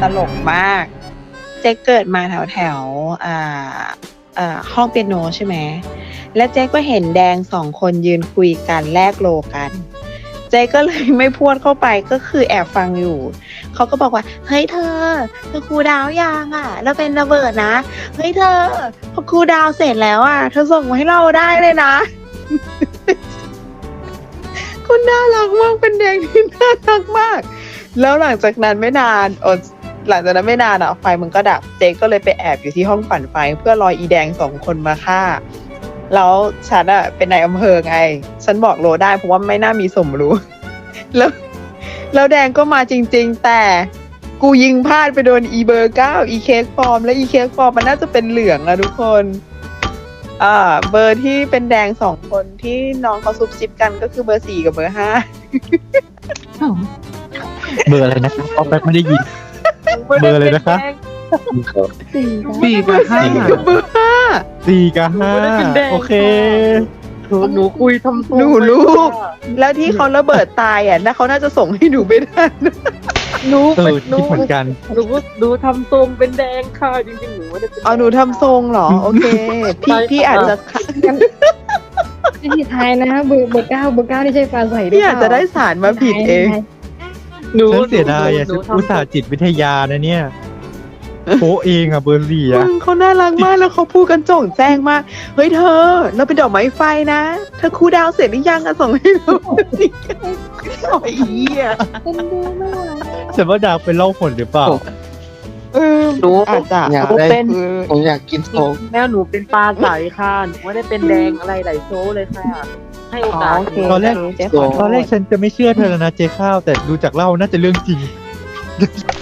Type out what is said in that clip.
ตลกมาก เจ๊เกิดมาแถวห้องเปียโนใช่ไหมแล้วเจ๊ก็เห็นแดงสองคนยืนคุยกันแลกโลกัน เจ๊ก็เลยไม่พูดเข้าไปก็คือแอบฟังอยู่เขาก็บอกว่าเฮ้ยเธอครูดาวยังอ่ะแล้วเป็นระเบิดนะเฮ้ยเธอพอครูดาวเสร็จแล้วอ่ะเธอส่งมาให้เราได้เลยนะ คุณน่ารักมากเป็นแดงที่น่ารักมากแล้วหลังจากนั้นไม่นานหลังจากนั้นไม่นานอ่ะไฟมันก็ดับเจ๊ก็เลยไปแอบอยู่ที่ห้องปั่นไฟเพื่อรออีแดงสองคนมาฆ่าแล้วฉันอ่ะเป็นนายอำเภอไงฉันบอกโลได้เพราะว่าไม่น่ามีสมรู้ แล้วแดงก็มาจริงๆแต่กูยิงพลาดไปโดนอีเบอร์9อีเค้กฟอร์มและอีเค้กฟอร์มมันน่าจะเป็นเหลืองอะทุกคนเบอร์ที่เป็นแดงสองคนที่น้องเขาซุบซิบกันก็คือเบอร์4กับเบอร์5 เบอร์อะไรนะครับเอาแป๊บไม่ได้ยินเบอร์อะไรนะคะ 4 กับ 5 กับเบอร์5 4 กับ 5โอเคหนูคุยทำตัวหนูลูกแล้วที่เขาระเบิดตายอ่ะนะเขาน่าจะส่งให้หนูไม่ได้นะหนูคิดเหมือนกันหนูทำทรงเป็นแดงค่ะจริงๆหนูไม่ได้เป็นหนูทำทรงเหรอโอเคพี่อาจจะที่ท้ายนะเบอร์เก้าที่ใช่ปลาใสพี่อาจจะได้สารมาผิดเองหนูฉันเสียดายอ่ะหนูฉันอุตส่าห์จิตวิทยานะเนี่ยโป๊ะเองอ่ะเบอร์4อ่ะมึงเขาน่ารักมากแล้วเขาพูดกันโจ่งแจ้งมากเฮ้ยเธอเราเป็นดอกไม้ไฟนะเธอคูลดาวน์เสร็จหรือยังอะส่งให้เราสิโอ้ยเหี้ยเป็นดูไม่ไหวฉันว่าดาวเป็นเล่าผลหรือเปล่าหนูอาจจะอยากได้เป็นผมอยากกินโค้กแม่หนูเป็นปลาใสค่ะหนูไม่ได้เป็นแดงอะไรไหลโชว์เลยค่ะ ให้โอกาสโอเคตอนแรกเจ๊ขอโทษตอนแรกฉันจะไม่เชื่อเธอแล้วนะเจ๊ข้าวแต่ดูจากเล่าน่าจะเรื่องจริง